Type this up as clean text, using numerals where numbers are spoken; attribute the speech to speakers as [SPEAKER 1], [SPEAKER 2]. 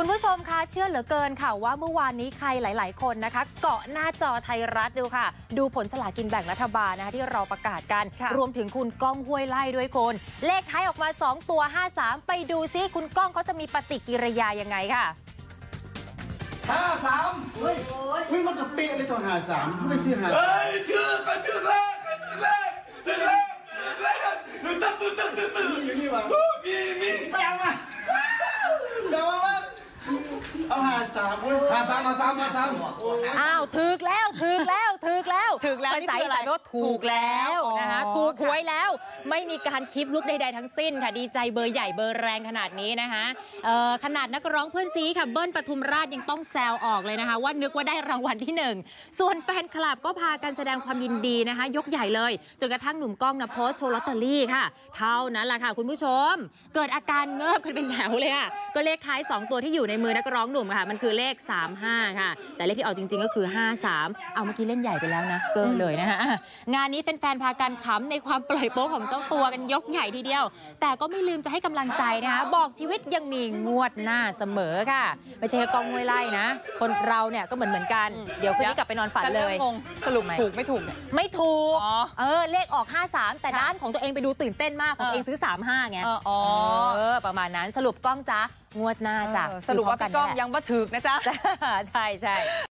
[SPEAKER 1] คุณผู้ชมคะเชื่อเหลือเกินค่ะว่าเมื่อวานนี้ใครหลายๆคนนะคะเกาะหน้าจอไทยรัฐดูค่ะดูผลสลากกินแบ่งรัฐบาลนะคะที่เราประกาศกันรวมถึงคุณก้องห้วยไล่ด้วยคนเลขท้ายออกมา2ตัว53ไปดูซิคุณก้องเขาจะมีปฏิกิริยายังไงค่ะ
[SPEAKER 2] 53เฮ้ยมันกับเป๊ะเลยตอน53ไม่ซื้อ53เฮ้ยชื่อกันถึงแล้วอยู่นี่วะมีไปเอามาเอา53เว้ย53
[SPEAKER 1] อ้าวถึกแล้วภาษาอีสานว่าถูกแล้วนะคะถูกหวยแล้วไม่มีการคลิปลุกใดๆทั้งสิ้นค่ะดีใจเบอร์ใหญ่เบอร์แรงขนาดนี้นะคะขนาดนักร้องเพื่อนซีค่ะเบิ้ลปทุมราชยังต้องแซวออกเลยนะคะว่านึกว่าได้รางวัลที่1ส่วนแฟนคลับก็พากันแสดงความยินดีนะคะยกใหญ่เลยจนกระทั่งหนุ่มก้องนะโพสต์โชว์ลอตเตอรี่ค่ะเท่านั้นแหละค่ะคุณผู้ชมเกิดอาการเงิบกันเป็นแถวเลยค่ะก็เลขท้าย2ตัวที่อยู่ในมือนักร้องหนุ่มค่ะมันคือเลข35ค่ะแต่เลขที่ออกจริงๆก็คือ53เอาเมื่อกี้เล่นใหญ่ไปแล้วนะเกินเลยนะคะงานนี้แฟนๆพากันขำในความปล่อยโป๊ของเจ้าตัวกันยกใหญ่ทีเดียวแต่ก็ไม่ลืมจะให้กำลังใจนะคะบอกชีวิตยังมีงวดหน้าเสมอค่ะไม่ใช่แค่กองห้วยไล่นะคนเราเนี่ยก็เหมือนกันเดี๋ยวคืนนี้กลับไปนอนฝันเลย
[SPEAKER 3] สรุปถูกไม่ถูกเนี่ย
[SPEAKER 1] ไม่ถูกเลขออก53แต่ด้านของตัวเองไปดูตื่นเต้นมากของตัวเองซื้อ35ไงประมาณนั้นสรุปก้องจ้างวดหน้าจ้ะ
[SPEAKER 3] สรุปว่าพี่ก้องยังบ่ถึกนะจ๊ะ
[SPEAKER 1] ใช่